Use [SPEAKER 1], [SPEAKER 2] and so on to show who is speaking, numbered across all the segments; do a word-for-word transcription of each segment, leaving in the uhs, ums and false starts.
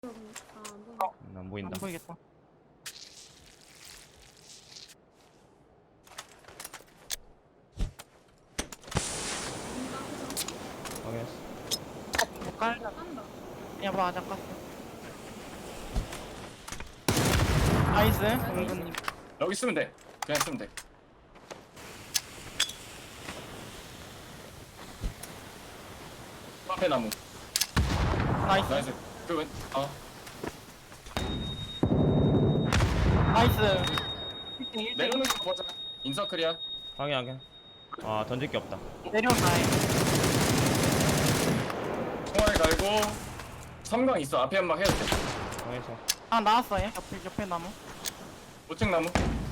[SPEAKER 1] 음, 안 보인다.
[SPEAKER 2] 안 보이겠다.
[SPEAKER 1] 확인했어.
[SPEAKER 2] 못 깔려. 그냥 봐, 잠깐. 나이스, 은근님.
[SPEAKER 3] 여기 쓰면 돼. 그냥 쓰면 돼. 앞에 나무.
[SPEAKER 2] 나이스,
[SPEAKER 3] 나이스. 그 왼. 아.
[SPEAKER 2] 나이스. 일 등, 일 등.
[SPEAKER 3] 내려오는 거 보자. 인서클이야.
[SPEAKER 1] 확인 확인. 아 던질 게 없다.
[SPEAKER 2] 내려온다잉.
[SPEAKER 3] 총알 갈고. 섬광 있어. 앞에 연막 해도 돼.
[SPEAKER 1] 확인했어.
[SPEAKER 2] 아, 나왔어요. 옆에, 옆에 나무.
[SPEAKER 3] 우측 나무.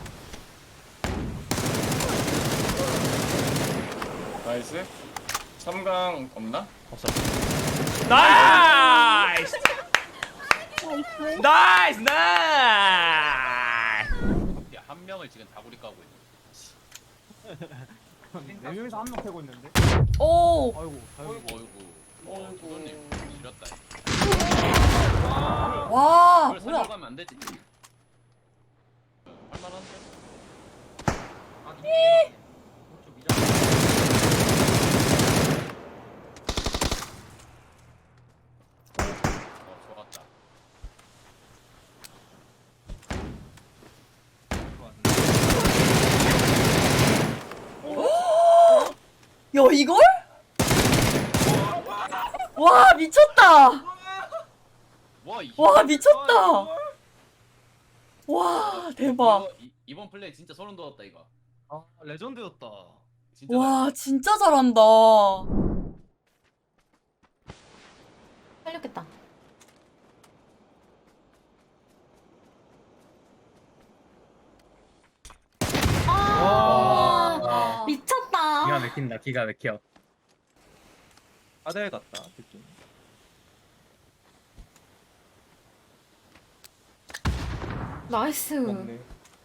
[SPEAKER 3] 나이스. 섬광 없나?
[SPEAKER 1] 없어. 나이스. 나이스 나이스.
[SPEAKER 4] 한 명을 지금 다구리 까고 있는.
[SPEAKER 5] 네 명이서 한 명 패고 있는데.
[SPEAKER 6] 오!
[SPEAKER 5] 아이고, 아이고.
[SPEAKER 4] 어이구 어이구. 어, 도도님 지렸다.
[SPEAKER 6] 와,
[SPEAKER 4] 그걸
[SPEAKER 6] 뭐야?
[SPEAKER 4] 살려가면 안 되지. 할만한데? 어, 좋았다.
[SPEAKER 6] 야, 이걸? 와, 미쳤다!
[SPEAKER 4] 와, 이
[SPEAKER 6] 와, 미쳤다! 와, 대박.
[SPEAKER 4] 이거, 이, 이번 플레이 진짜 소름 돋았다 이거.
[SPEAKER 5] 아, 레전드였다.
[SPEAKER 4] 진짜.
[SPEAKER 6] 와, 진짜 잘한다. 살렸겠다. 아, 미쳤다.
[SPEAKER 5] 기가 막힌다, 기가 막혀. 아델 같다, 느낌.
[SPEAKER 6] 나이스.
[SPEAKER 5] 먹네.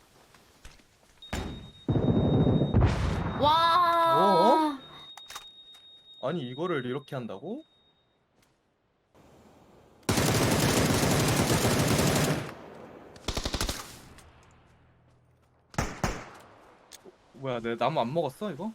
[SPEAKER 6] 와.
[SPEAKER 5] 아니, 이거를 이렇게 한다고? 뭐야, 내 나무 안 먹었어, 이거?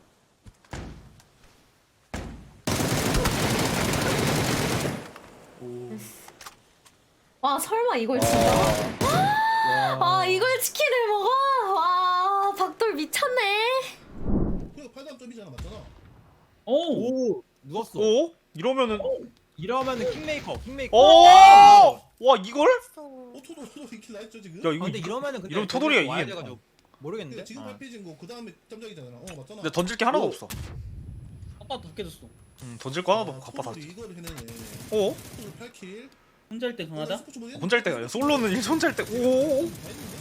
[SPEAKER 5] 오.
[SPEAKER 6] 와, 설마 이걸 진짜?
[SPEAKER 5] 와.
[SPEAKER 6] 아, 이걸 치킨을 먹어? 와, 박돌 미쳤네.
[SPEAKER 7] 그래도 팔 점이잖아, 맞잖아.
[SPEAKER 8] 오! 누웠어.
[SPEAKER 1] 오? 이러면은.
[SPEAKER 8] 이러면은 킹메이커, 킹메이커.
[SPEAKER 1] 오! 와 이걸?
[SPEAKER 7] 어, 토도 토도 이킬 나했죠 지금?
[SPEAKER 1] 야
[SPEAKER 8] 아,
[SPEAKER 1] 이거.
[SPEAKER 8] 근데 이러면은 근데
[SPEAKER 1] 이러면 토돌이가
[SPEAKER 8] 와야
[SPEAKER 1] 이기겠다.
[SPEAKER 8] 돼가지고 모르겠는데.
[SPEAKER 7] 근데 지금
[SPEAKER 8] 어.
[SPEAKER 7] 팔피진 거, 그 다음에 짬작이잖아. 어, 맞잖아.
[SPEAKER 1] 근데 던질 게 하나도
[SPEAKER 7] 오.
[SPEAKER 1] 없어.
[SPEAKER 8] 아빠 더 깨졌어.
[SPEAKER 1] 음, 던질 거 하나도
[SPEAKER 7] 아,
[SPEAKER 1] 없고 바빠서.
[SPEAKER 7] 토도도 이걸 해내네.
[SPEAKER 1] 오?
[SPEAKER 7] 토도 팔 킬.
[SPEAKER 8] 혼자 할 때
[SPEAKER 7] 어,
[SPEAKER 8] 강하다.
[SPEAKER 7] 스포츠 모드
[SPEAKER 1] 혼자 할 때가 아니라 솔로는 일 혼자 할 때. 오.
[SPEAKER 7] 다 했는데?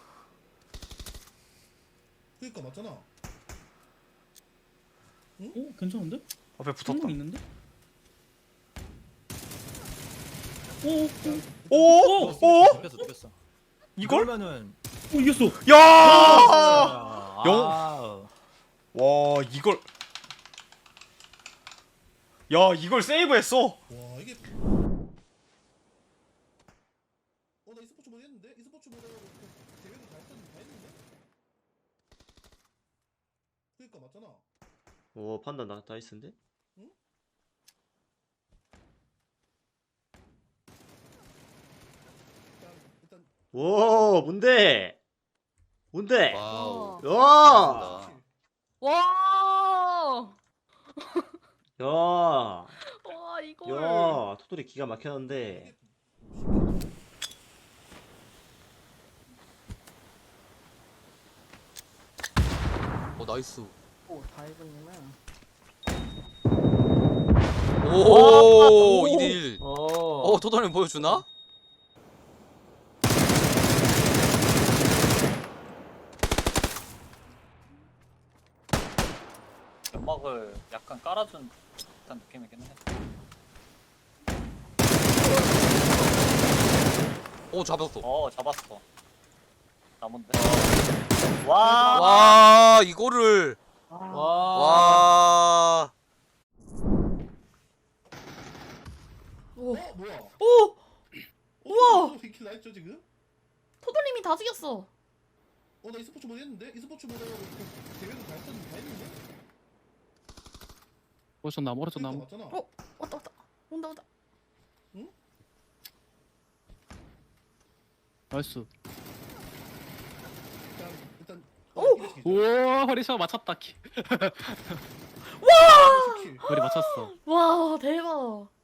[SPEAKER 7] 그니까 맞잖아.
[SPEAKER 8] 오, 괜찮은데?
[SPEAKER 1] 앞에 붙었다.
[SPEAKER 8] 한명 있는데? 오,
[SPEAKER 1] 오! 오!
[SPEAKER 8] 눕혔어, 눕혔어.
[SPEAKER 1] 이걸?
[SPEAKER 8] 그러면은 오, 이겼어.
[SPEAKER 1] 야!
[SPEAKER 8] 아,
[SPEAKER 1] 영-
[SPEAKER 8] 아.
[SPEAKER 1] 와 이걸. 야 이걸 세이브했어.
[SPEAKER 7] 와, 이게. 어, 나 e스포츠 모드 했는데? e스포츠 모드 대회도 다 했었는데? 다 했는데? 그니까 맞잖아.
[SPEAKER 9] 오 판단 나 나이스인데?
[SPEAKER 7] 일단, 일단.
[SPEAKER 9] 오 뭔데? 뭔데?
[SPEAKER 4] 와우.
[SPEAKER 9] 야!
[SPEAKER 6] 와.
[SPEAKER 9] 야!
[SPEAKER 6] 와, 이걸.
[SPEAKER 9] 야! 토토리 기가 막혔는데.
[SPEAKER 4] 어, 나이스.
[SPEAKER 2] 오, 다이브님은.
[SPEAKER 4] 오, 이 대 일.
[SPEAKER 9] 어.
[SPEAKER 4] 어, 토도님 보여주나?
[SPEAKER 5] 연막을 약간 깔아준 듯한 느낌이긴 해.
[SPEAKER 4] 오, 잡았어.
[SPEAKER 5] 어, 잡았어. 나뭔데? 와.
[SPEAKER 4] 와, 이거를.
[SPEAKER 2] 아,
[SPEAKER 4] 와.
[SPEAKER 7] 어, 뭐야?
[SPEAKER 6] 오!
[SPEAKER 7] 다 했죠 지금?
[SPEAKER 6] 토돌님이 다 죽였어.
[SPEAKER 7] 어 나 e스포츠 모드 했는데? e스포츠 모드 대회도 다 했었는데 다 했는데?
[SPEAKER 8] 멀어졌 나무 멀어졌 나무.
[SPEAKER 7] 맞잖아.
[SPEAKER 6] 어? 왔다 왔다. 온다 온다.
[SPEAKER 8] 나이스.
[SPEAKER 7] 일단 일단
[SPEAKER 6] 오!
[SPEAKER 8] 우와 허리샷 맞췄다. 키.
[SPEAKER 7] 와!
[SPEAKER 8] 머리 맞췄어.
[SPEAKER 6] 와 대박.